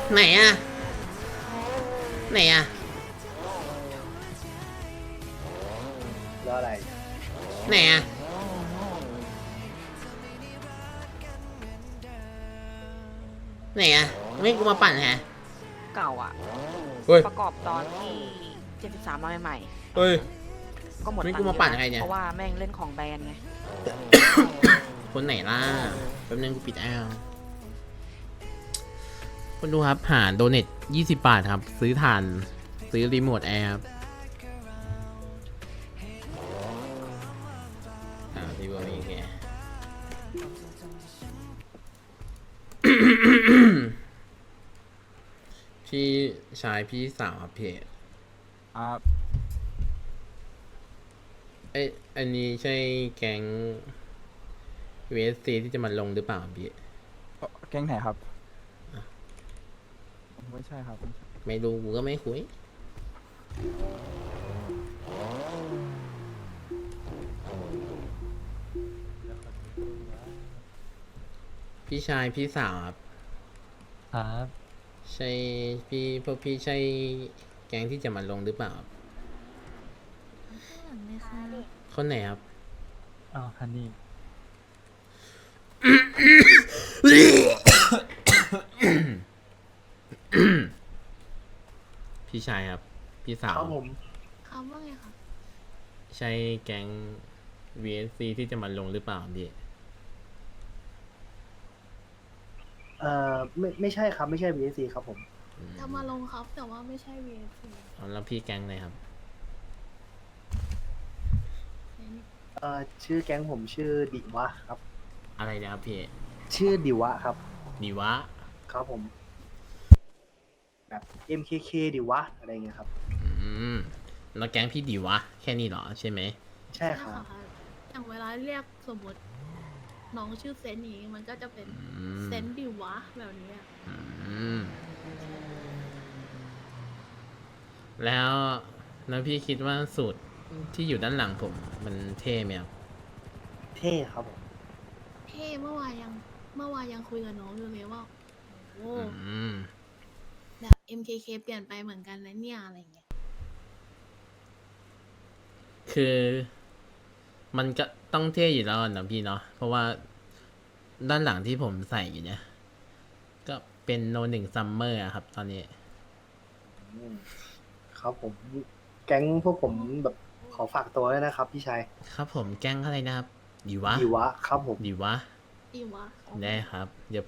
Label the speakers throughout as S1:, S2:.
S1: ไหนอะไหนอะ
S2: แล้วอะไร
S1: ไหนอะไหนอะไม่กูมาปั่นแฮะ
S3: เก่าอ่ะ
S1: เฮ้ย
S3: ประกอบตอนที่73มาใหม่
S1: เฮ้ย
S3: ๆก็หมด
S1: ไม่
S3: ตั
S1: กูมาปั่น
S3: งค์เยอะนะ
S1: ใครเนี่ย
S3: เพราะว่าแม่งเล่นของแบรนด์ไง
S1: คนไหนล่ะแป๊บนึงกูปิดแอลคนดูครับหาโดเนท20 บาทครับซื้อถ่านซื้อรีโมทแอร์ครับรีโมทนี้แก พี่ชายพี่สาวครับพี่
S4: ครับ
S1: เอ้ยอันนี้ใช่แก๊ง VSC ที่จะมาลงหรือเปล่าครับพี่
S4: แก๊งไหนครับ ไม่ใช่ครับไม่ใช่
S1: ไม่รู้กูก็ไม่คุยพี่ชายพี่สาวครับ
S5: ครับ
S1: ใช่พวกพี่ใช่แก๊งที่จะมาลงหรือเปล่าครับ
S6: ข้างหลังเลยค่ะ
S1: คนไหนครับ
S5: อ้าวฮันนี่
S1: พี่ชายครับ พี่สาว
S2: ครับผม
S6: เขาว่าไงคะ
S1: ใช่แก๊ง VSC ที่จะมาลงหรือเปล่าพี่
S2: ไม่ใช่ครับไม่ใช่ VSC ครับผม
S6: จะมาลงครับแต่ว่าไม่ใช่ VFC
S1: แล้วพี่แก๊งไหนครับ
S2: ชื่อแก๊งผมชื่อดิวะครับ
S1: อะไรนะครับพี่
S2: ชื่อดิวะครับ
S1: ดีวะ
S2: ครับผม แบบ MKK ดิวะอะไรเงี้ยครับ
S1: อืมแล้วแก๊งพี่ดีวะ แค่นี้เหรอใช่ไหม
S2: ใช่
S6: ใช่
S2: ครับ
S6: ค่ะอย่างเวลาเรียกสมมติน้องชื่อเซนนี้มันก็จะเป็น
S1: อืม
S6: เซนดิวะแบบนี้อะ
S1: อืมแล้วพี่คิดว่าสูตรที่อยู่ด้านหลังผมมันเท่ไหมครับ
S2: เท่ครับผม
S6: เท่เมื่อวานยังคุยกับน้องอยู่เลยว่าโอ้
S1: อืม
S6: แบบ MKK เปลี่ยนไปเหมือนกันแล้วเนี่ยอะไรเงี้ย
S1: คือมันก็ต้องเท่อยู่แล้วนะพี่เนาะเพราะว่าด้านหลังที่ผมใส่อยู่เนี่ย ก็เป็นโนหนึ่งซัมเมอร์ครับตอนนี้
S2: ครับผม แก๊งพวกผมแบบขอฝากตัวด้วยนะครับพี่ชาย
S1: ครับผมแก๊งอะไรนะครับ ดีวะ
S2: ดิวะครับผม
S1: ดีวะ
S6: ดิวะ
S1: ได้ครับ เดี๋ยว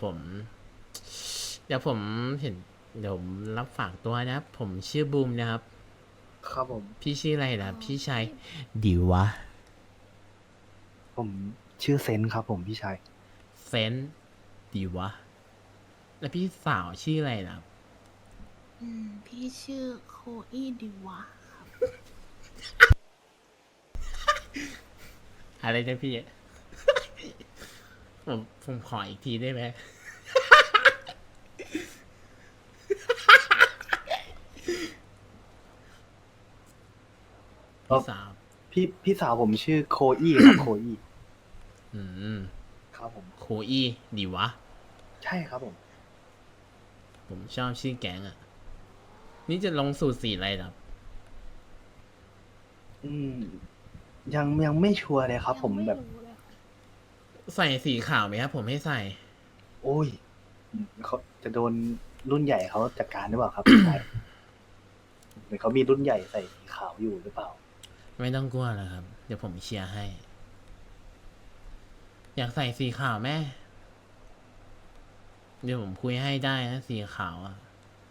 S1: ผมเห็นเดี๋ยวผมรับฝากตัวนะครับ ผมชื่อบูมนะครับ
S2: ครับผม
S1: พี่ชื่ออะไรนะพี่ชายดีวะ
S2: ผมชื่อเซนครับผมพี่ชาย
S1: เซนดีวะ แล้วพี่สาวชื่ออะไรนะ
S6: พี่ชื่อโคอี้ดิวะ
S1: อะไรนะพี่ ผมขออีกทีได้ไหม พี่สาว
S2: พี่สาวผมชื่อโคอี้ครับ โคอี้
S1: อืม
S2: ครับผม
S1: โคอี้ดีวะ
S2: ใช่ครับผม
S1: ผมชอบชื่อแก๊งอ่ะ นี่จะลงสูตรสีอะไรครับ
S2: อืมยังไม่ชัวร์เลยครับ ผม
S6: ยัง
S2: แบบ
S6: รู้เลยค่ะ
S1: ใส่สีขาวไหมครับ ผมให้ใส่
S2: โอ้ยเขาจะโดนรุ่นใหญ่เขาจัดการหรือเปล่าครับ พี่ชายเหมือนเขามีรุ่นใหญ่ใส่สีขาวอยู่หรือเปล่า
S1: ไม่ต้องกลัวนะครับ เดี๋ยวผมเชียร์ให้ อยากใส่สีขาวแม่ เดี๋ยวผมคุยให้ได้นะสีขาวอ่ะ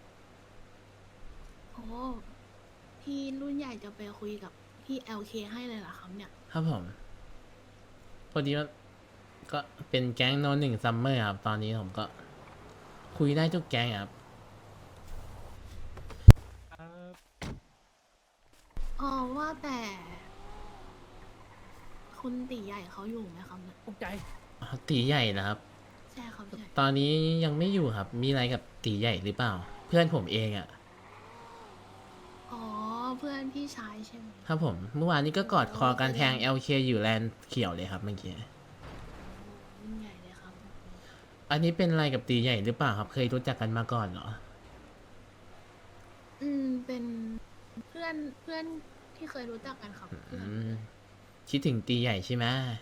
S6: โอ้พี่รุ่นใหญ่จะไปคุยกับพี่ LK ให้เลยเหรอครับเนี่ย
S1: ครับผม พอดีว่าก็เป็นแก๊งโนหนึ่งซัมเมอร์ครับ ตอนนี้ผมก็ คุยได้ทุกแก๊งครับ
S6: อ๋อว่าแต่ คุณตีใหญ่เขาอยู่ไหมครับเนี่ย
S5: ตกใจ
S1: ตีใหญ่นะครับ
S6: ใช่ครับใช่
S1: ตอนนี้ยังไม่อยู่ครับ มีอะไรกับตีใหญ่หรือเปล่า เพื่อนผมเองอะ่ะ
S6: อ๋อเพื่อนพี่ชายใช่ไหม
S1: ครับผม เมื่อวานนี้ก็กอดคอกันแทง LK อยู่แลนด์เขียวเลยครับเมื่อกี้
S6: รุ่นใหญ่เลยครับ
S1: อันนี้เป็นอะไรกับตีใหญ่หรือเปล่าครับ เคยรู้จักกันมาก่อนเหรอ
S6: เพื่อนที่เคยรู้จักกันครับเพื่อน
S1: คิดถึงตีใหญ่ใช่ไหม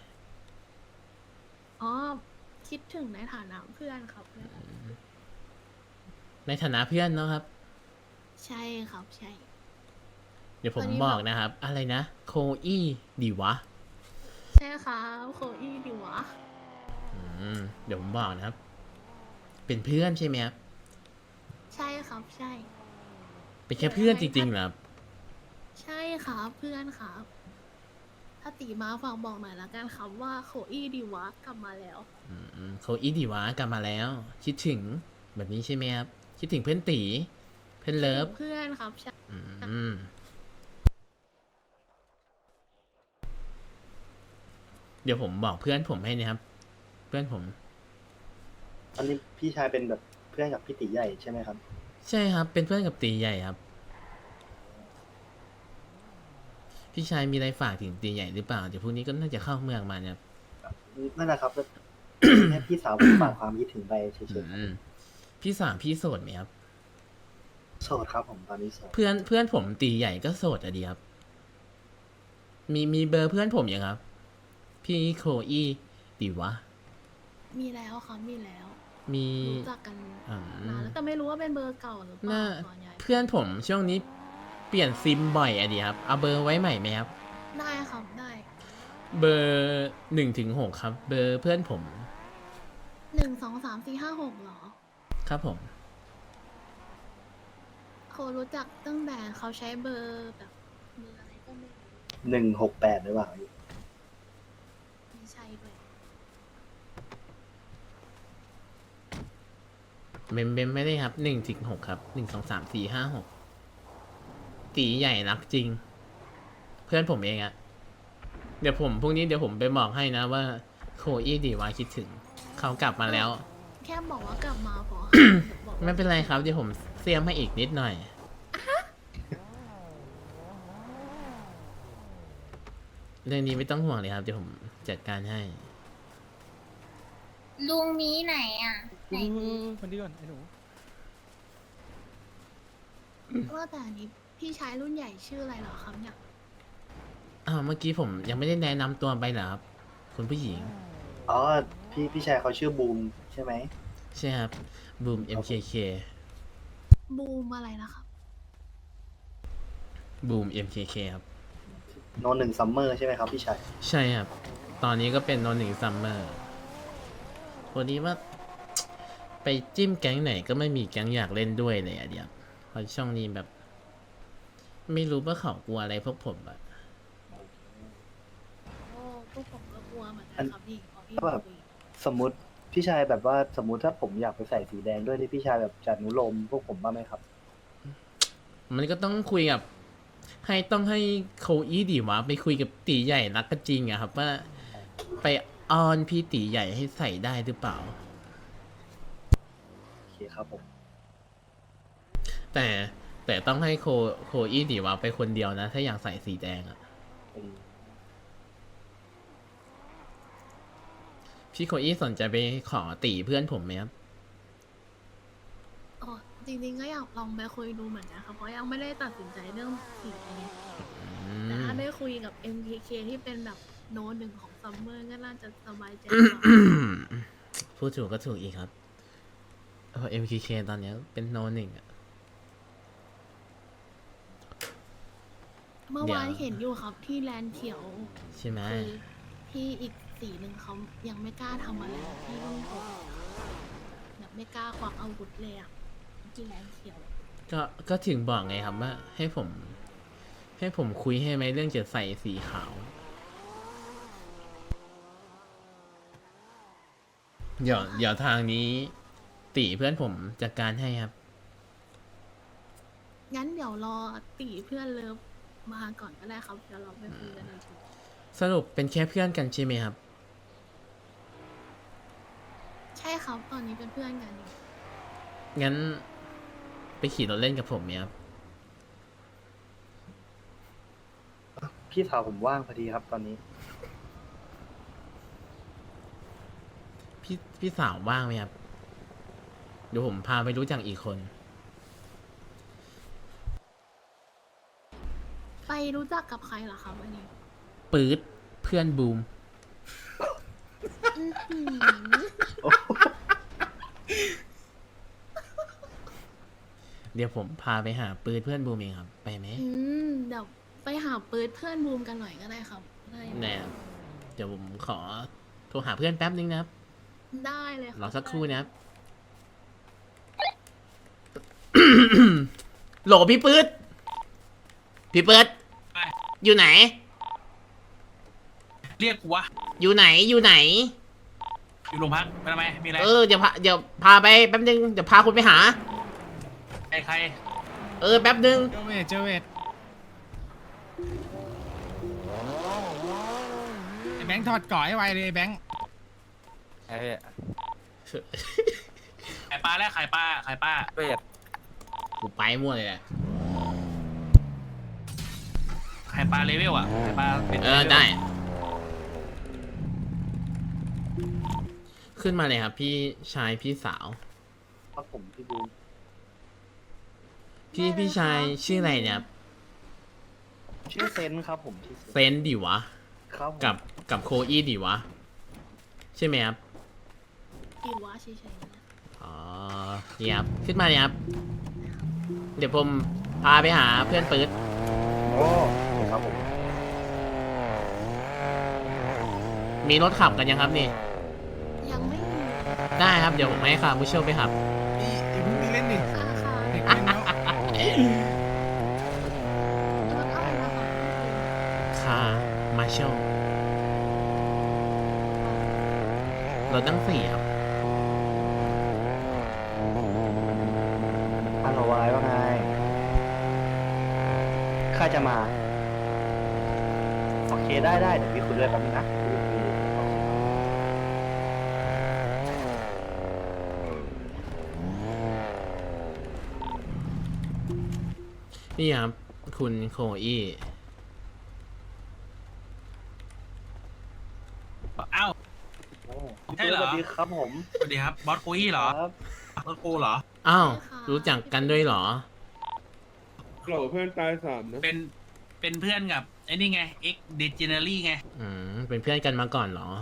S6: อ๋อคิดถึงในฐานะเพื่อนครับเพื่อน
S1: ในฐานะเพื่อนเนาะครับ
S6: ใช่ครับใช่
S1: เดี๋ยวผม
S6: ตอนนี้
S1: บอก
S6: แบบ
S1: นะครับ อะไรนะ โคอี้ดีวะ
S6: ใช่ครับโคอี้ดีวะ
S1: เดี๋ยวผมบอกนะครับ เป็นเพื่อนใช่ไหมครับ
S6: ใช่ครับใช่
S1: เป็นแค่เพื่อนจริงๆเหรอครับ
S6: ใช่ครับเพื่อนครับ ถ้าตีมาฝากบอกหน่อยละกันครับว่าโคอี้ดีวะกลับมาแล้ว
S1: โคอี้ดีวะกลับมาแล้ว คิดถึงแบบนี้ใช่ไหมครับ คิดถึงเพื่อนตี เพื่อนเลิฟ
S6: เพื่อนครับใช่
S1: อืมเดี๋ยวผมบอกเพื่อนผมให้นะครับ เพื่อนผม
S2: ตอนนี้พี่ชายเป็นแบบเพื่อนกับพี่ตีใหญ่ใช่ไหมครับ
S1: ใช่ครับ เป็นเพื่อนกับตีใหญ่ครับ พี่ชายมีอะไรฝากถึงตีใหญ่หรือเปล่า เดี๋ยวพรุ่งนี้ก็น่าจะเข้าเมืองมาเนี่ยครับ
S2: นั่นแหละครับแล้ว แค่พี่สาวผมฝากความคิดถึงไปเฉยๆครับ
S1: พี่สามพี่โสดไหมครับ
S2: โสดครับผมตอนนี้โสด
S1: เพื่อนผมตีใหญ่ก็โสดอะดีครับ มีเบอร์เพื่อนผมยังครับ พี่โคอี้ดีวะ
S6: มีแล้วครับมีแล้ว
S1: มี
S6: รู้จักกัน
S1: อืม
S6: นานแล้วแต่ไม่รู้ว่าเป็นเบอร์เก่าหรือเป
S1: น่า
S6: ล่าตอนใหญ่
S1: เพื่อนผมช่วงนี้เปลี่ยนซิมบ่อยอะดีครับ เอาเบอร์ไว้ใหม่ไหมครับ
S6: ได้ครับได้
S1: เบอร์1 ถึง 6ครับ เบอร์เพื่อนผม
S6: 1 2 3 4 5 6เหรอ
S1: ครับผม
S6: เขารู้จักตั้งแต่เขาใช้เบอร์แบบเบอร์อะไรก็ไม่รู้
S2: 168หรือเปล่า
S6: ไม่ใช่ด้วย
S1: เมมไม่ได้ครับ1 ถึง 6ครับ1 2 3 4 5 6ตีใหญ่รักจริง เพื่อนผมเองอะเดี๋ยวผมพรุ่งนี้เดี๋ยวผมไปบอกให้นะว่าโคอี้ดีวาคิดถึง เขากลับมาแล้ว
S6: แค่บอกว่ากลับมาพอ บอก
S1: ไม่เป็นไรครับ เดี๋ยวผมเสียมให้อีกนิดหน่อย เรื่องนี้ไม่ต้องห่วงเลยครับ เดี๋ยวผมจัดการให้
S7: ลุงมีไหนอ่ะไหนมี
S4: คนดีก่อนไอ้หนู
S6: ว่าแต่อันนี้พี่ชายรุ่นใหญ่ชื่ออะไรเหรอครับเนี่ย
S1: เมื่อกี้ผมยังไม่ได้แนะนำตัวไปเหรอครับ คุณผู้หญิง
S2: อ๋อพี่ชายเขาชื่อบูมใช่ไหม
S1: ใช่ครับ บูม MKK
S6: บูมอะไรนะครับ
S1: บูม MKK ครับ
S2: โนหนึ่งซัมเมอร์ใช่ไหมครับพี่ชาย
S1: ใช่ครับ ตอนนี้ก็เป็น1 ซัมเมอร์วันนี้ว่า ไปจิ้มแก๊งไหนก็ไม่มีแก๊งอยากเล่นด้วยเลยอะเดียวเพราะช่องนี้แบบ ไม่รู้ว่าเขากลัวอะไรพวกผมอะ
S6: โอ้พวกผมก็กลัวเหมือนกันครับพี่พอพี่
S2: แบบ
S6: คุย
S2: สมมติพี่ชายแบบว่าสมมติถ้าผมอยากไปใส่สีแดงด้วยที่พี่ชายแบบจัดนุโลมพวกผมบ้างไหมครับ
S1: มันก็ต้องคุยกับ ต้องให้โคอี้ดีวะไปคุยกับตีใหญ่รักกันจริงอะครับ ว่าไปอ้อนพี่ตีใหญ่ให้ใส่ได้หรือเปล่า
S2: โอเคครับผม
S1: แต่ต้องให้โคอี้ดีวะไปคนเดียวนะ ถ้าอยากใส่สีแดงอะ
S2: อืม
S1: พี่โคอี้สนใจไปขอตีเพื่อนผมไหมครับ
S6: อ๋อจริงๆก็อยากลองไปคุยดูเหมือนกันครับเพราะยังไม่ได้ตัดสินใจเรื่องสีอะไรแต่ถ้าได้คุยกับ MKK ที่เป็นแบบโน้ตหนึ่งของซัมเมอร์ก็น่าจะสบายใจกว่า
S1: พูดถูกก็ถูกอีกครับMKK ตอนนี้เป็นโนหนึ่งอะ
S6: เมื่อวาน
S1: เดี๋ยว
S6: เห็นอยู่ครับที่แลนด์เขียว
S1: ใช่ไหม
S6: คือที่อีกสีหนึ่งเขายังไม่กล้าทำอะไรที่รุ่นหกแบบไม่กล้าควักอาวุธเลยอะที่แลนด์เขียว
S1: ก็ถึงบอกไงครับว่า ให้ผมคุยให้ไหมเรื่องจะใส่สีขาว เดี๋ยวทางนี้ ตีเพื่อนผมจัดการให้ครับ
S6: งั้นเดี๋ยวรอตีเพื่อนเลิฟมาก่อนก็ได้ครับเดี๋ยวเราไปคุยกันอีกที
S1: สรุปเป็นแค่เพื่อนกันใช่ไหมครับ
S6: ใช่ครับตอนนี้เป็นเพื่อนกันอยู่
S1: งั้น ไปขี่รถเล่นกับผมไหมครับ
S2: พี่สาวผมว่างพอดีครับตอนนี้
S1: พี่สาวว่างไหมครับ เดี๋ยวผมพาไปรู้จักอีกคน
S6: ไปรู้จักกับใครเหรอครับอันนี้
S1: ปื๊ดเพื่อนบูม
S6: อื้อหือ
S1: เดี๋ยวผมพาไปหาปื๊ดเพื่อนบูมเองครับ ไปไหม
S6: เดี๋ยวไปหาปืนเพื่อนบูมกันหน่อยก็ได้ครับได้ไหม
S1: แน่ครับเดี๋ยวผมขอโทรหาเพื่อนแป๊บนึงนะครับ
S6: ได้เลยคบ
S1: รอสักครู่นะครับ โหลพี่ปื๊ดพี่ปื๊ดอยู่ไหน
S8: เรียกกูวะ
S1: อยู่ไหน อยู่ไหน
S8: อยู่โรงพักไปทำไม มีอะไร
S1: เดี๋ยวพาไปแป๊บนึง เดี๋ยวพาคุณไปหา
S8: ใคร
S1: แป๊บนึง
S9: เจอเวทไอ้แบงค์ถอดเก่อให้ไวเลยไอ้แบงค์
S4: ไอ้พี่
S8: ขายปลาแล้วขายปลา
S4: เวท
S1: กูไปมั่วเลยแหละ
S8: ขายปลาเลเวลอ่ะขายปลาเป็น
S1: ได้ ขึ้นมาเลยครับ พี่ชายพี่สาว
S2: ครับผมพี่บูม
S1: พี่ชายชื่ออะไรเนี่ยครับ
S2: ชื่อเซนครับผมชื่อ
S1: เซนดิวะ
S2: ครับผม
S1: กับโคอี้ดิวะ ใช่ไหมครับ
S6: ดีวะเฉยๆนะ
S1: อ๋อนี่ครับ ขึ้นมาเลยครับ เดี๋ยวผมพาไปหาเพื่อนปื๊ด
S2: โอ้ครับผม
S1: มีรถขับกันยังครับนี่
S6: ยังไม่มี
S1: ได้ครับ เดี๋ยวผมให้คาร์บูเชลไปขับ
S9: ไอ้พวกนี้เล่นดิ
S6: ค่ะค่ะ
S9: เด็กเล่นแล้ว
S6: รถอะไรนะคะ
S1: คาร์มาเชลรถตั้ง4ครับ
S2: ฮัลโหลอะไรว่าไงข้าจะมา โอเคได้เดี๋ยวพี่คุยด้วยแป๊บนึงนะ
S1: นี่ครับ คุณโคอี้
S8: อ้าว
S2: โอ้
S8: ใช่เหรอ
S2: สวัสดีครับผม
S8: สวัสดีครับ บอสโคอี้เหรอ
S2: ครับ
S8: บอสโคเหรอ
S1: อ้าว รู้จักกันด้วยเหรอ
S10: โหลเพื่อนตาย3นะ
S8: เป็นเพื่อนกับไอ้นี่ไง X Degenery ไง
S1: เป็นเพื่อนกันมาก่อนเหรอ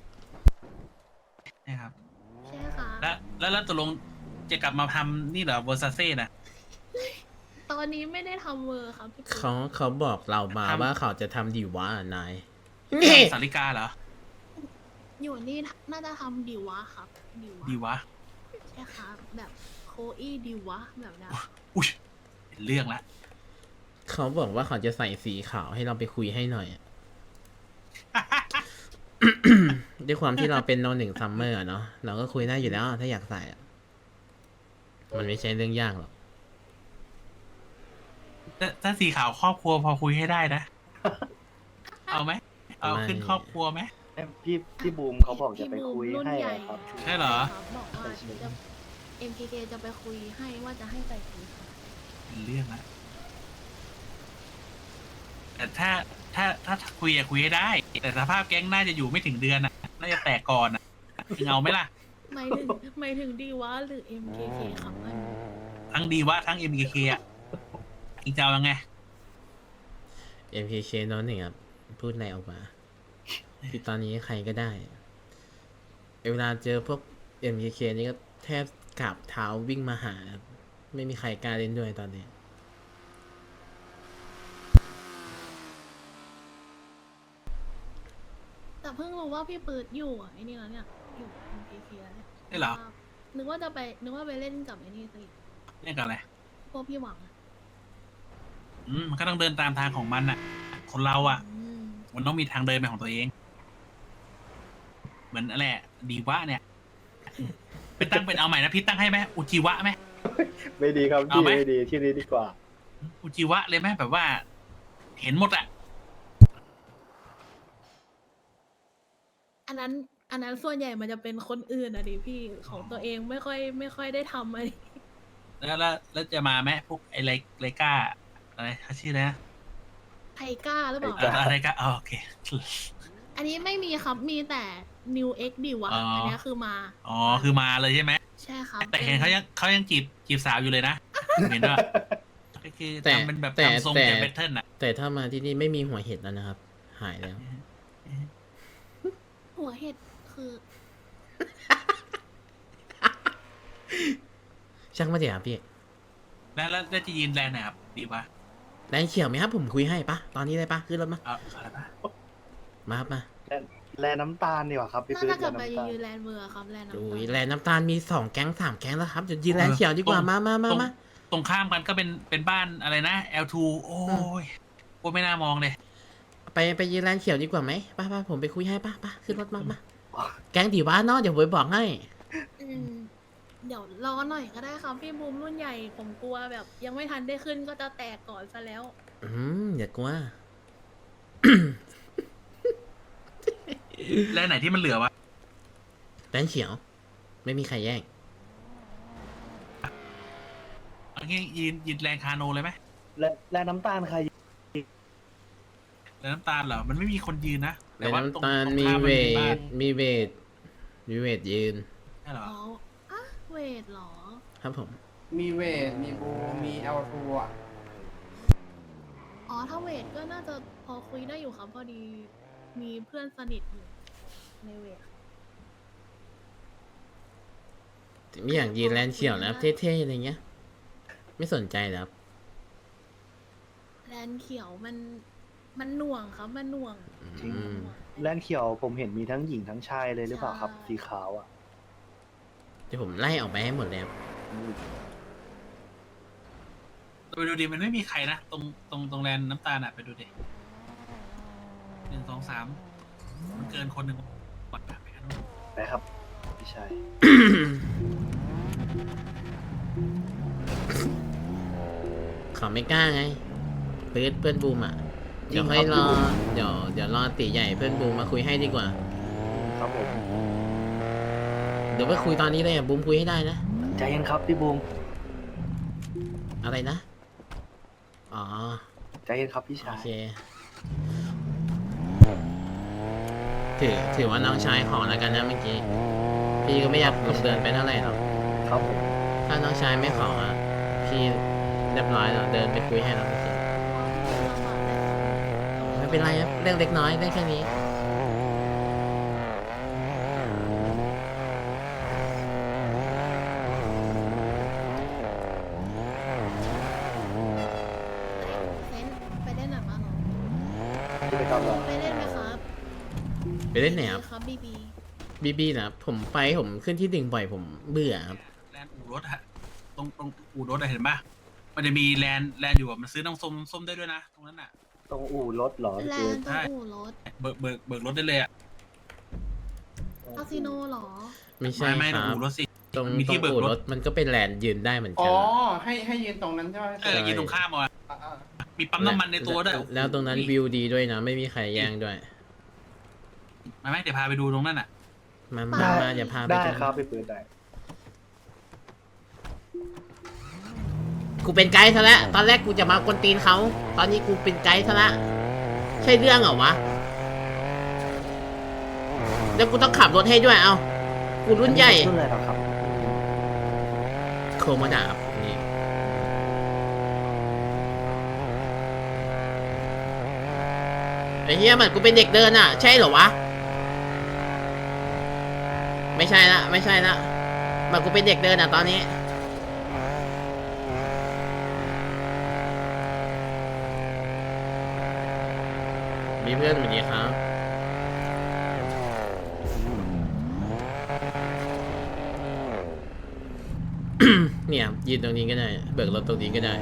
S8: นะครับ
S6: ใช่ค่ะ
S8: แล้วตกลงจะกลับมาทำนี่เหรอเวอร์ซาเซ่นะ
S6: ตอนนี้ไม่ได้ทำเวอร์ครับพี่ปุ๊
S1: เขาบอกเรามา
S8: ทำ
S1: ว่าเขาจะทำดิวะนาย นี่
S8: สาริกาเหรอ
S6: อยู่นี่น่าจะทำดีวะครับดีวะ
S8: ดีวะ
S6: ใช่ค่ะแบบโคอี้ดีวะแบบนั้น
S8: อุ้ยเป็นเรื่องละ
S1: เขาบอกว่าเขาจะใส่สีขาวให้เราไปคุยให้หน่อย ด้วยความที่เราเป็นโนหนึ่งซัมเมอร์เนาะเราก็คุยได้อยู่แล้วถ้าอยากใส่อะมันไม่ใช่เรื่องยากหรอก
S8: ถ้าสีขาวครอบครัวพอคุยให้ได้นะ เอาไหม เอาขึ้นครอบครัวไหม
S2: พี่บูมเขาบอกจะไปคุย
S6: รุ่น
S2: ให้
S6: ใหญ่
S2: อะครับ
S8: ใช่เหรอ
S6: ครับบอกว่าจะ MKK จะไปคุยให้ว่าจะให้ใส่สีขาว
S8: เป็นเรื่องละแต่ถ้าคุยอะคุยให้ได้ แต่สภาพแก๊งน่าจะอยู่ไม่ถึงเดือนอะน่าจะแตกก่อนอะเงาไหมล่ะ
S6: หมายถึงดีวะหรือ MKK ครับอันนี้
S8: ทั้งดีวะทั้ง MKK อะอีกจะเอายังไง
S1: MKK โนหนึ่งครับพูดอะไรออกมาคือตอนนี้ใครก็ได้ เวลาเจอพวก MKK นี่ก็แทบกราบเท้าวิ่งมาหาครับไม่มีใครกล้าเล่นด้วยตอนนี้
S6: แต่เพิ่งรู้ว่าพี่ปืดอยู่อ่ะไอ้นี่แล้วเนี่ยอยู่ MKK แล้วเนี่ย
S8: ได้เหรอ
S6: นึกว่าไปเล่นกับไอ้นี่สิ
S8: เรื่องกันอะไร
S6: พวกพี่หวังอะ
S8: มันก็ต้องเดินตามทางของมันอะคนเราอะ
S6: อืม
S8: มันต้องมีทางเดินเป็นของตัวเอง เหมือนอะไรอะดีวะเนี่ยเป็นตั้งเป็นเอาใหม่นะพี่ตั้งให้ไหมอุจิวะไหม
S2: ไม่ดีครับ
S8: เอา
S2: พี่
S8: ไหม
S2: ไม่ดีที่นี้ดีกว่า
S8: อุจิวะเลยไหมแบบว่า เห็นหมดอะ
S6: อันนั้นส่วนใหญ่มันจะเป็นคนอื่นอะดิพี่ของตัวเองไม่ค่อยได้ทำอะไร
S8: แล้วจะมาไหมพวกไอไลก้าอะไรเขาชื่ออะไรนะ
S6: ไทก้าหรือเปล่า
S8: อะไรก้าโอเค
S6: อันนี้ไม่มีครับมีแต่ New X ดิวะ
S8: อ๋ออั
S6: อันเนี้ยคือมา
S8: อ๋อคือมาเลยใช่ไหม
S6: ใช่ครับ
S8: แต่เห็นเขายังจีบสาวอยู่เลยนะเห็นว่าโอเคคือ
S1: แต่
S8: ทำเป็นแบบ
S1: แต่
S8: ทำทรง
S1: แต่
S8: แต่แพทเทิร์นอ่ะ
S1: แต่ถ้ามาที่นี่ไม่มีหัวเห็ดแล้วนะครับ หายแล้ว
S6: หัวเห็ดคือ
S1: ช่างมาเดี๋ยวพี่
S8: แล้วจะยืนแลนด์ไหนครับดีปะ
S1: แดงเขียวไหมครับผมคุยให้ปะตอนนี้เลยปะขึ้นรถมา
S8: เอาอะไรปะ
S1: มาครับมา
S2: แลน้ำตาลดีกว่าครับพี่
S6: น่า
S2: ปื๊ด
S6: จะกลับ
S2: แล
S6: ไป
S2: น้ำตาล
S6: ยืนแลนด์เมืองครับแลนด์น้ำ
S1: ดู
S6: ตาล
S1: แลนด์น้ำตาลมี2 แก๊ง 3 แก๊งแล้วครับเดี๋ยวยืนแลนด์เขียวดีกว่ามา
S8: ตรงข้ามกันก็เป็นบ้านอะไรนะ L2 โอ้ยโอ้ไม่น่ามองเลย
S1: ไปยืนแลนด์เขียวดีกว่าไหมป้าผมไปคุยให้ป้าขึ้นรถมาแก๊งดีว่าเนาะเดี๋ยวผมไปบอกให้
S6: อืมเดี๋ยวรอหน่อยก็ได้ครับพี่บูมรุ่นใหญ่ผมกลัวแบบ ยังไม่ทันได้ขึ้นก็จะแตกก่อนซะแล้ว
S1: อย่ากลัว
S8: แล้วไหนที่มันเหลือวะ
S1: แลนด์เขียว ไม่มีใครแย่ง
S8: เอางี้ยืนแลนด์คาโนเลยไหม
S2: แลน้ำตาลใคร
S8: แล้วน้ำตาลเหรอมันไม่มีคนยืนนะ
S1: แล
S8: แต่
S1: นด์
S8: ว่า
S1: น้ำ
S8: ตรง
S1: ตาล
S8: ตรง
S1: มี
S8: ข้าม
S1: เว
S8: มันมีบ้า
S1: ท
S8: น
S1: มีเวทยืน
S8: ใช่เหรอ
S6: อ๋ออะเวทเหรอ
S1: ครับผม
S10: มีเวท มีบู มี L2 อ่ะ
S6: อ๋อถ้าเวทก็น่าจะพอคุยได้อยู่ครับพอดีมีเพื่อนสนิทอยู่ในเวท
S1: ไม่อยากยืนแลนด์เขียวนะครับเท่ๆอะไรเงี้ย ไม่สนใจแล้ว
S6: แลนด์เขียวมันหน่วงครับมันหน่วง
S2: จริง
S1: อืม
S2: แลนเขียวผมเห็นมีทั้งหญิงทั้งชายเลยหรือเปล่าครับ
S6: ใช่
S2: สีขาวอ่ะ
S1: เดี๋ยวผมไล่ออกไปให้หมดเลยครับ
S8: ไปดูดิมันไม่มีใครนะตรงแลนด์น้ำตาลอ่ะไปดูดิ1 2 3มันเกินคนหนึ่งกดไปกันนู่น
S2: ไปครับพี่ชาย
S1: เขาไม่กล้าไงเพื่อนบูมอ่ะ เดี๋ยวค่อยรอ เดี๋ยวรอตีใหญ่เพื่อนบูมมาคุยให้ดีกว่า
S2: ครับผม
S1: เดี๋ยวไปคุยตอนนี้เลยอ่ะบูมคุยให้ได้นะ
S2: ใจเย็นครับพี่บูม
S1: อะไรนะ อ๋อ
S2: ใจเย็นครับพี่
S1: โอ
S2: ชาย
S1: เค ถือว่าน้องชายขอแล้วกันนะเมื่อกี้ พี่ก็ไม่อยากลงเดินไปเท่าไหร่หรอก
S2: ครับผม
S1: ถ้าน้องชายไม่ขออ่ะ พี่เรียบร้อยแล้วเดินไปคุยให้เราไม่เป็นไรครับเรื่องเล็กน้อยเรื่องแค่นี้
S6: เซนไปเล่นหนังมาเหรอ
S2: ที่ไปกำลัง
S6: ไปเล่นไหมครับ
S1: ไปเล่นไหนครับ
S6: ครับบีบี
S1: บีนะผมขึ้นที่1บ่อยผมเบื่อครับ
S8: แลนด์อู่รถอะตรงอู่รถอะเห็นปะมันจะมีแลนด์อยู่อะมันซื้อน้ำส้มได้ด้วยนะตรงนั้นอะ
S2: ตรงอู่รถเหรอพี่
S6: แล
S2: ปื๊
S6: น
S2: ด
S6: ด์ต้องอู่รถ
S8: เบิกรถได้เลยอะ
S6: คาสิโนเหรอ
S1: ไม่ใช่
S8: ไม่
S1: ค
S8: ตรง
S1: รับ
S8: อู่รถสิ
S1: ตรง
S8: มีที่
S1: อู่
S8: เบิกรถ
S1: รถมันก็เป็นแลนด์ยืนได้เหมือน
S10: อ๋
S1: กั
S10: อ
S1: น
S10: ให้ยืนตรงนั้นใช่ไหม
S8: เออยืนตรงข้ามอ่ะ
S10: อ่า
S8: มีปั๊มน้ำมันในตัวด้วย
S1: แล้วตรงนั้นวิวดีด้วยนะ ไม่มีใครแย่งด้วย
S8: มาไหมเดี๋ยวพาไปดูตรงนั้นอ่ะ
S1: มาอย่าพาไป
S2: ได้
S1: ตรง
S2: ครับพี่ปื๊ดได้
S1: กูเป็นไกด์ซะแล้วตอนแรกกูจะมากวนตีนเขาตอนนี้กูเป็นไกด์ซะละใช่เรื่องเหรอวะแล้วกูต้องขับรถให้ด้วยเอากูรุ่นใหญ่
S2: รุ่นอะไรหรอครับ
S1: โคมาดาบนี่ไอ้เหี้ยมันกูเป็นเด็กเดินอ่ะ ใช่เหรอวะ ไม่ใช่ละมันกูเป็นเด็กเดินอ่ะตอนนี้มีเพื่อนสวัสดีครับ เนี่ยยืนตรงนี้ก็ได้ เบิกรถตรงนี้ก็ได้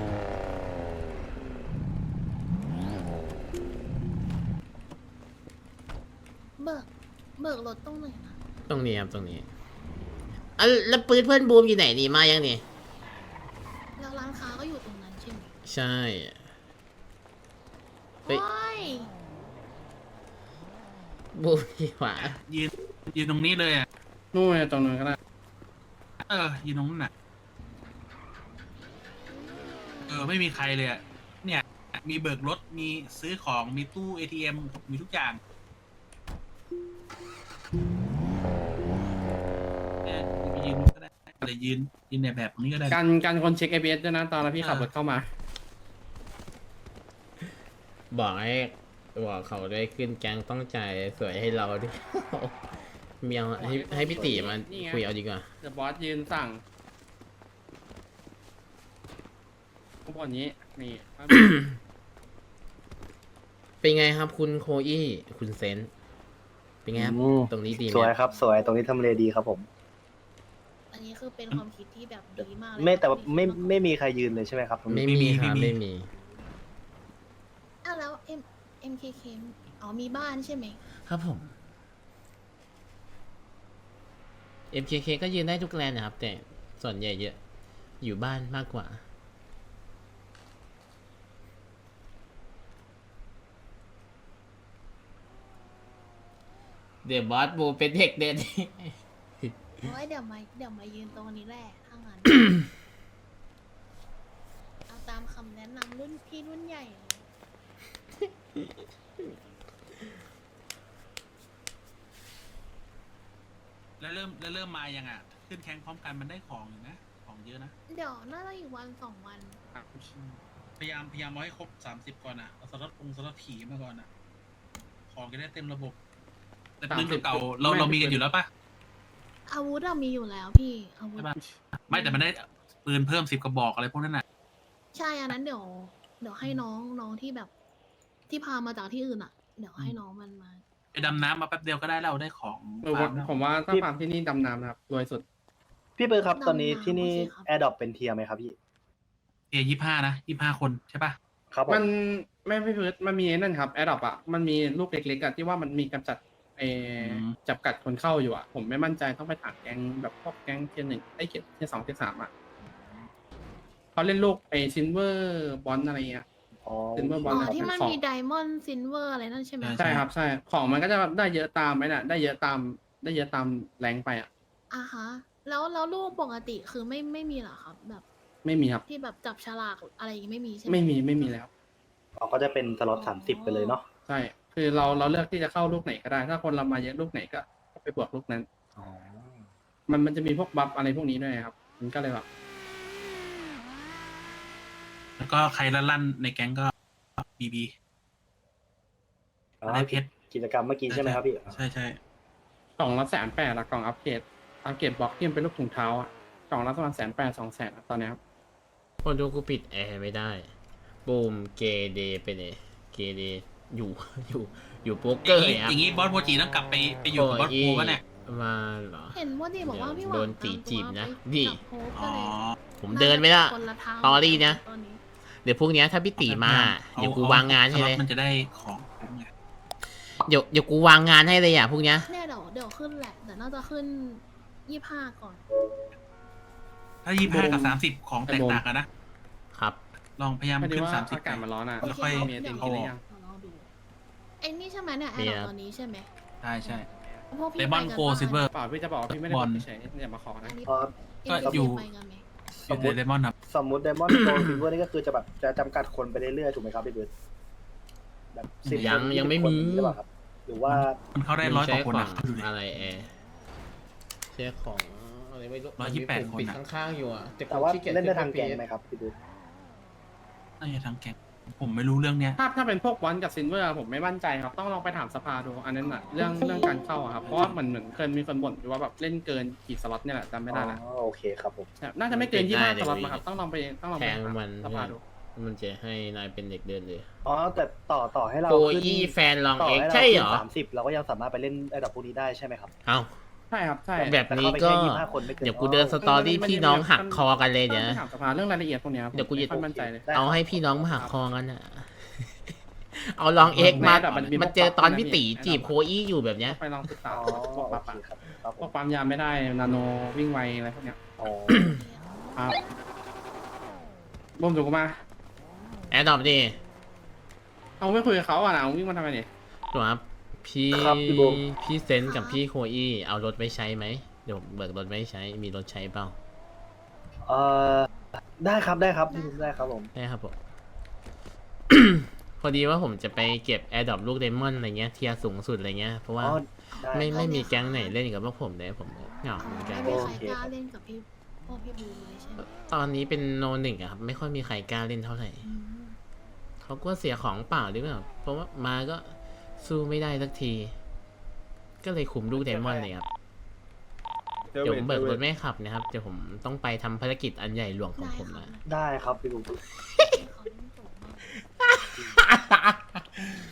S6: เบิกรถตรงไหนนะ
S1: ตรงนี้ครับตรงนี้อ่ะแล้วปืนเพื่อนบูมอยู่ไหนนี่มายังนี่
S6: แล้วร้านค้าก็อยู่ตรงนั้นใช่ไหม
S1: ใช่ เฮ้ย
S6: โอ้ย
S1: บูมที่ขวา
S8: ยืนตรงนี้เลยอ่ะ
S10: นู่นตรงนั้นก็ได้
S8: ยืนตรงนั้นน่ะไม่มีใครเลยอ่ะเนี่ยมีเบิกรถมีซื้อของมีตู้ ATM มีทุกอย่างเนี่ยยืนก็ได้อะไรยืนในแบบนี้ก็ได้
S10: กันคนเช็ค ABS ด้วยนะตอนที่พี่ขับรถเข้ามา
S1: บอกเขาด้วยขึ้นแก๊งต้องจ่ายสวยให้เราดิ เมียวให้พี่ตีมาคุยเอาดีกว่า
S10: เดอะบอสยืนสั่งข้างบนนี้นี่
S1: เป็นไงครับคุณโคอี้คุณเซนเป็นไงครับ
S2: อืม
S1: ตรงนี้ดีไหม
S2: สวยครับ สวยตรงนี้ทำเลดีครับผม
S6: อันนี้คือเป็นความคิดที่แบบดีมากเลย
S2: ไม่แต่ว่า
S6: ครับ
S2: ไม่มีใครยืนเลยใช่ไหมครับตรง
S1: ไม่
S2: นี้
S1: มีครับไม่มี
S6: อ้าวแล้ว MKK อ๋อมีบ้านใช่ไหม
S1: ครับผม MKK ก็ยืนได้ทุกแลนด์นะครับ แต่ส่วนใหญ่เยอะอยู่บ้านมากกว่า เดี๋ยวบอสบูเป็นเด็กเด่น
S6: โอ้ยเดี๋ยวมายืนตรงนี้แหละถ้างั้น เอาตามคำแนะนำรุ่นพี่รุ่นใหญ่เลย
S8: แล้วเริ่มมายังอ่ะ ขึ้นแข้งพร้อมกันมันได้ของอยู่นะของเยอะนะ
S6: เดี๋ยวน่าจะอีกวันสองวัน
S8: พยายามเอาให้ครบ30ก่อนอ่ะเอาสล็อตผีมาก่อนอ่ะของจะได้เต็มระบบ แต่ปืนเก่าๆเรามีกันอยู่แล้วปะ
S6: อาวุธอะมีอยู่แล้วพี่อาวุธ
S8: ใช่ปะไม่แต่มันได้ปืนเพิ่ม10 กระบอกอะไรพวกนั้นน่ะ
S6: ใช่อันนั้นเดี๋ยวให้น้องที่แบบ ที่พามาจากที่อื่นอะเดี๋ยวให้น้องมันมา
S8: ไปดำน้ำมาแป๊บเดียวก็ได้แล้วได้ของ
S10: ผมว่าถ้าฟาร์มที่นี่ดำน้ำนะครับรวยสุด
S2: พี่เบิร์ดครับ ตอนนี้
S6: ดำน้ำ
S2: ที่นี่
S6: โอเคครับ
S2: แอร์ดรอปเป็นเทียร์ไหมครับพี่
S8: เอ25นะ25คนใช่ปะ
S2: ครับผม
S10: มันไม่พื้นมันมีไอ้นั่นครับแอดดอปอ่ะมันมีลูกเล็กๆอะที่ว่ามันมีกำจัดจับกัดคนเข้าอยู่อ่ะผมไม่มั่นใจต้องไปถามแก๊งแบบพวกแก๊งเทียร์1เทียร์2เทียร์3อ่ะเขาเล่นลูกซินเวอร์บอลอะไรเงี้ย
S2: อ๋อ
S10: เป็นเมื่อบอล
S6: อ๋อ
S10: แล้ว
S6: ที่มัน
S10: ของ
S6: มีไดมอนด์ซินเวอร์อะไรนั่นใช่ไหม
S10: ใช่ครับใช่ของมันก็จะได้เยอะตามไหมน่ะได้เยอะตามแรงไปอ่ะ
S6: อ่ะฮะแล้วลูกปกติคือไม่มีเหรอครับ แบบ
S10: ไม่มีครับ
S6: ที่แบบจับฉลากอะไรอย่างงี้ไม่มีใช่ไหม
S10: ไม่มีแล้ว
S2: อ๋อก็จะเป็นสล็อต30ไปเลยเนาะ
S10: ใช่คือเราเลือกที่จะเข้าลูกไหนก็ได้ ถ้าคนเรามาเยอะลูกไหนก็ไปบวกลูกนั้น
S2: อ๋อ
S10: มันจะมีพวกบัฟอะไรพวกนี้ด้วยครับมันก็เลยแบบ
S8: แล้วก็ใครลั่นในแก๊งก็BB ได้เพชร
S2: กิจกรรมเมื่อกี้ใช่ไหมครับพี่
S8: ใช่
S10: กล่องละ180,000ละกล่องอัปเกรดบล็อกที่มันเป็นลูกถุงเท้าอ่ะกล่องละประมาณ180,000 200,000ตอนนี้ครับ
S1: คนดูกูปิดแอร์ไม่ได้ บูมเกเดไปเลยเกเดอยู่ อยู่โป๊กเกอร์
S8: อ
S1: ครับ
S8: ย่างนี้บอสโมจิต้องกลับไปอยู่กับบอสโปวะเนี่ย
S1: มาเหรอ
S6: เห็นว่าดีบอกว่าพี่หวัง
S1: โดนตีจีบนะ
S6: ตามตัว
S1: นี่
S6: ไปจับโฮป
S8: อ๋
S6: ก็
S8: อ
S6: เลย
S1: ผมเดินไม่ละ
S6: คนละทาง
S1: ตอรี่นะ
S6: ตอนนี้
S1: เดี๋ยวพรุ่งนี้ถ้าพี่ตีมา เดี๋ยวกูวางงานให้เลย
S8: มันจะได้ของไง
S1: เดี๋ยวกูวางงานให้เลยอ่ะพรุ่งนี้
S6: เนี่ยเดี๋ยวขึ้นแหละแต่น่าจะขึ้น25ก่อน
S8: ถ้า25กับ30ของแตกต่างกันนะครับ ลองพยายาม
S10: พอดี
S8: ขึ้น
S10: ว่า
S8: 30
S10: อากาศมันร้อนอ่ะ
S8: แล้วค่อย
S10: มีไอติม
S6: เดี๋
S10: กิน
S6: ยว
S10: หรือยัง
S6: ลองดูไอ้นี่ใช่ไหมเนี่ยแอ
S1: มี
S6: ร์
S1: ครับ
S6: ตอนนี้ใช่ไหม
S8: ใช่
S6: พวกพี่
S8: เลมอน
S6: ไปกั
S8: โกซิลเวอร์
S10: เปล่าพี่จะบอกว่าพี่ไม่ได้
S8: บบ อ
S10: อ
S8: ล
S10: กเฉยๆอย่ามาขอนะ
S6: อันนี้
S2: อ๋อ
S8: ก็อยู่
S6: ไปกันไหม
S8: อยู่ในเลมอนครับ
S2: สมมุติไดมอนด์โกลซิลเวอร์นี่ก็คือจะแบบจะจำกัดคนไปเรื่อยๆถูกไหมครับพี่เบิร์ดแบบ10
S1: ยังไม่
S2: คน
S1: มี
S2: หรือเปล่าครับ หรือว่า
S8: มันเข้าได้100 กว่าคน
S1: ขอ
S8: นะ
S1: ง
S8: ดูดิ
S1: อะไรแอร์ใช้ของอะไรไม่รู้
S8: 128
S1: ผมปิด
S8: คนอะ
S1: ข้างๆอยู่อ่ะ
S2: แต่ว่า
S1: ขี้กียจ
S2: เล่นได้ทาง
S1: ขึ้
S2: แกง
S1: ป
S2: ไหมครับพี่เบิร์ด
S8: น่าจะทั้งแก๊งผมไม่รู้เรื่องเนี้ย
S10: ถ้าเป็นพวกบอลกับซินเวอร์ผมไม่มั่นใจครับต้องลองไปถามสภาดูอันนั้นน่ะเรื่องการเข้าอะครับเพราะว่าเหมือนเคยมีคนบ่นอยู่ว่าแบบเล่นเกินกี่สล็อตเนี่ยแหละจำไม่ได้ละ
S2: อ๋อโอเคครับผม
S10: น่าจะไม่เกิน25สล็อตนะครับต้องลองไป
S1: แทง
S10: ถาม
S1: มัน
S10: สภาดู
S1: มันจะให้นายเป็นเด็กเดินเลย
S2: อ๋อแต่ต่อให้เรา
S1: โก
S2: ขึ้น
S1: อี้แฟนลอง
S2: ต่อ
S1: เอ็ก
S2: ให้เรา
S1: ใช่เหร
S2: ขึ้
S1: อ
S2: น30เราก็ยังสามารถไปเล่นไอ้ดอกพวกนี้ได้ใช่ไหมครับ
S1: เอ้า
S10: ใช่ครับใช่
S1: แบบนี้ก็
S2: แต่เข้าไปแค่25คนไม่เกิน
S1: เดี๋ยวกูเดินสตอรี่พี่น้องหักคอกันเลย
S10: ต้
S1: เดี๋
S10: อย ง
S1: ว
S10: ไปถามสภาเรื่องรายละเอียดพวกเนี้ยครับ
S1: เดี๋ยวกูจะ
S10: ไม่ค่อยมั่นใจเลย
S2: ได้
S1: เอาให้พี่น้องมาหักคอกันอ่ะ เอาลองเอ็กมา
S10: แบบมัน
S1: มันเจอตอนพี่ตี
S10: มันมี
S1: จีบโคอี้อยู่แบบเนี้ย
S10: ไปลองศึกษา
S2: อ๋อ
S10: พวก
S2: โอ
S10: ปั๊บ
S2: เค
S10: อะ
S2: ครับครับผ
S10: พว
S2: ม
S10: กปั๊มยามไม่ได้นาโนวิ่งไวอะไรพวกเนี้ย
S2: อ๋อ
S10: ครับบ่มถูกมา
S1: แอดดอปดิ
S10: เอาไม่คุยกับเขาอ่ะนะเอาวิ่งมาทำไมเนี่ย
S1: หนูครับพี่
S2: ครับพี่บูม
S1: พี่เซนกับพี่โคอี้เอารถไว้ใช้ไหมเดี๋ยวเบิกรถไว้ใช้มีรถใช้เปล่า
S2: เอ่อได้ครับได้ครับผม
S1: ได้ครับผม พอดีว่าผมจะไปเก็บแอร์ดรอปลูกเดมอนอะไรเงี้ยเทียร์สูงสุดอะไรเงี้ยเพราะว่า
S2: อ๋อได้
S1: ไม่มีแก๊งไหนเล่นกับพวกผมเลยผมเหงาเหมือนกัน
S6: ไม่มีใคร
S2: โอเค
S6: กล้าเล่นกับพี่พวกพี่บูมเลยใช่ไหม
S1: ตอนนี้เป็นโนหนึ่งอะครับไม่ค่อยมีใครกล้าเล่นเท่าไหร่
S6: อืม
S1: เขาเขากลัวเสียของเปล่าหรือเปล่าเพราะว่ามาก็สู้ไม่ได้สักที ก็เลยคุมลูกไดมอนด์เลยครับเดี๋ยวผมเบิกรถไม่ขับนะครับเดี๋ยวผมต้องไปทำภารกิจอันใหญ่หลวงของผมนะ
S2: ได้ครับพี่ลุง
S6: เขาเล่นสูงมาก